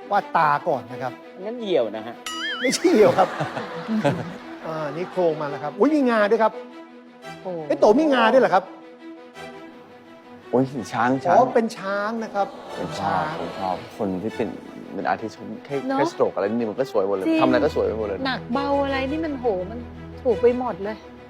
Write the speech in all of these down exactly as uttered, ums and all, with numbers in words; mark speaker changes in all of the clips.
Speaker 1: วาดตาก่อนนะครับ
Speaker 2: งั้นเหี่ยวนะฮะ
Speaker 1: ไม่ใช่เหี่ยวครับ อ่านี่โครงมาแล้วครับอุ้ยมีงาด้วยครับ
Speaker 2: โอ้
Speaker 1: ไอ้โตมีงาด้วยเหรอครับ
Speaker 3: โอ้ยช้าง
Speaker 1: อ๋
Speaker 3: ช้าง
Speaker 1: อเป็นช้างนะครับ
Speaker 3: ผ
Speaker 1: เป็
Speaker 3: ม
Speaker 1: น
Speaker 3: ชอ
Speaker 1: ช้า
Speaker 3: บ
Speaker 1: ง
Speaker 3: ผมชอบคนที่เป็นเป็นอาร์ติสต์แค่
Speaker 4: เนอะ
Speaker 3: แค่สโตรกอะไรนิดนึงมันก็สวยหมดเลย
Speaker 4: จริง
Speaker 3: ทำอะไรก็สวยไปหมดเลย
Speaker 4: หนักเบาอะไรนี่มันโหมันถูกไปหมดเลย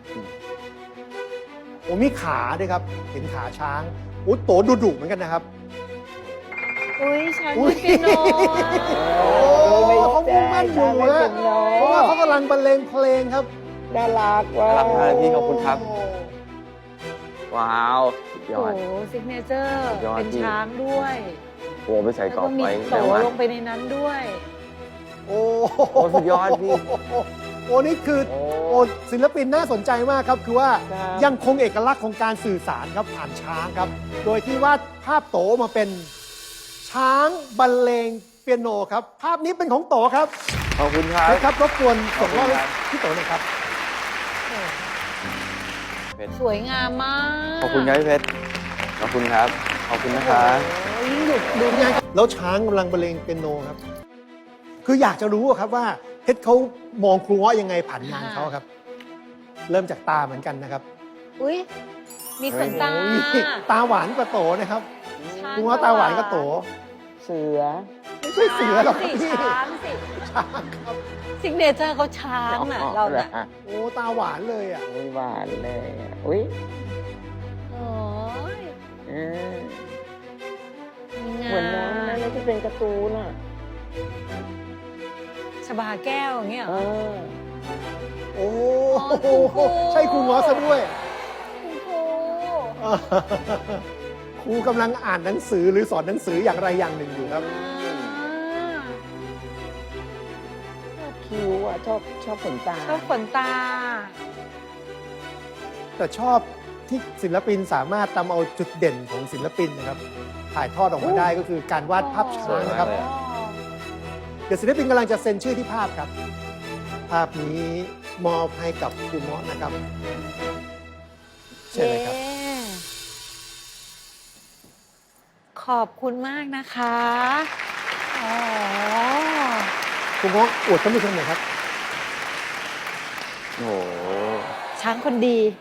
Speaker 1: โอ้มีขาด้วยครับ เห็นขาช้างโอ้โตดุดุเหมือนกันนะครับ
Speaker 4: อุ้ยช้าง
Speaker 1: อุ๊
Speaker 4: เล่
Speaker 1: ย
Speaker 4: นเปียโนอะ
Speaker 1: โอ้เขามุ่งมั่นอยู่ฮะเพราะว่าเขากำลังบรรเลงเพลงครับ
Speaker 2: น่ารักว่ะ
Speaker 3: น่ารักมากพี่ขอบคุณครับ
Speaker 1: โอ้
Speaker 3: ว้าวสุดย
Speaker 4: โอ้
Speaker 3: อด
Speaker 4: โหซิกเนเจอร์
Speaker 3: สุดยอด
Speaker 4: เป็น
Speaker 3: จริง
Speaker 4: ช้างด้วย
Speaker 3: หัวไปใส่
Speaker 4: แล้ว
Speaker 3: กรอ
Speaker 4: ก็
Speaker 3: บ
Speaker 4: มี
Speaker 3: ไว้
Speaker 4: โต
Speaker 3: แต่ว่า
Speaker 4: ลงไปในนั้นด้วย
Speaker 1: โอ้
Speaker 3: โอ้สุดยอดพี่
Speaker 1: โอ้นี่คือ
Speaker 3: โอ้
Speaker 1: โอ้ศิลปินน่าสนใจมากครับ คือว่า
Speaker 2: ครับ
Speaker 1: ยังคงเอกลักษณ์ของการสื่อสารครับผ่านช้างครับ โดยที่วาดภาพโตมาเป็นช้างบรรเลงเปียโนครับ ภาพนี้เป็นของโตครับ
Speaker 3: ขอบคุณครับ
Speaker 1: นะครับรบกวนส่งมอบ
Speaker 3: ขอบคุณครับ
Speaker 1: ให้พี่โตหน่อยครับ
Speaker 4: สวยงามมาก
Speaker 3: ขอบคุณครับพี่เพชรขอบคุณครับขอบคุณนะคะ
Speaker 4: โอ้โหยิ่งดูดู
Speaker 1: ดูไงแล้วช้างกำลังบรรเลงเปียโนครับ คืออยากจะรู้อะครับว่าเพชรเขามองครูเงาะยังไงผ่านงานเขาครับ เริ่มจากตาเหมือนกันนะครับ
Speaker 4: อุ้ยมีขนตา
Speaker 1: โอ้ยตาหวานกว่าโตนะครับ
Speaker 4: ช้าง
Speaker 1: ครูเงาะตาหวานกว่าโต
Speaker 2: เสือ
Speaker 1: ไม่ใช่เสือหรอก
Speaker 4: สิ
Speaker 1: พี่
Speaker 4: ช้างสิ
Speaker 1: ช้างครับ
Speaker 4: ซิกเนเจอร์เขาช้างน่ะเราน่ะ
Speaker 1: โอ้ตาหวานเลยอ่ะ
Speaker 2: อุ้ยหวานเลยอะอุ้ย
Speaker 4: โอ้ย
Speaker 2: เออ
Speaker 4: มีงา
Speaker 2: เหมือนน้องนะนี่ที่เป็นการ์ตูนอ่ะ
Speaker 4: ชบาแก้วอย่างเงี้ยเหร
Speaker 2: เอ
Speaker 4: อ
Speaker 2: อ
Speaker 1: โอ้
Speaker 4: อ๋อคุณครู
Speaker 1: ใช่ครูเงาะซะด้วย
Speaker 4: คุณครู
Speaker 1: ครูกำลังอ่านหนังสือหรือสอนหนังสืออย่างไรอย่างหนึ่งอยู่ครับ
Speaker 4: อ่า
Speaker 2: ชอบคิ้วอ่ะ ชอบชอบขนตา
Speaker 4: ชอบขนตา
Speaker 1: แต่ชอบที่ศิลปินสามารถนำเอาจุดเด่นของศิลปินนะครับ ถ่ายทอดออกมาได้ก็คือการวาดภาพช้างนะครับ
Speaker 3: สวยมากเลยอะ
Speaker 1: เดี๋ยวศิลปินกำลังจะเซ็นชื่อที่ภาพครับ ภาพนี้มอบให้กับครูเงาะนะครับเชิญเลยครับ
Speaker 4: เย้ขอบคุณมากนะคะอ๋อ
Speaker 1: ครูเงาะอวดท่านผู้ชมหน่อยครับ
Speaker 3: โอ้โห
Speaker 4: ช้างคนดี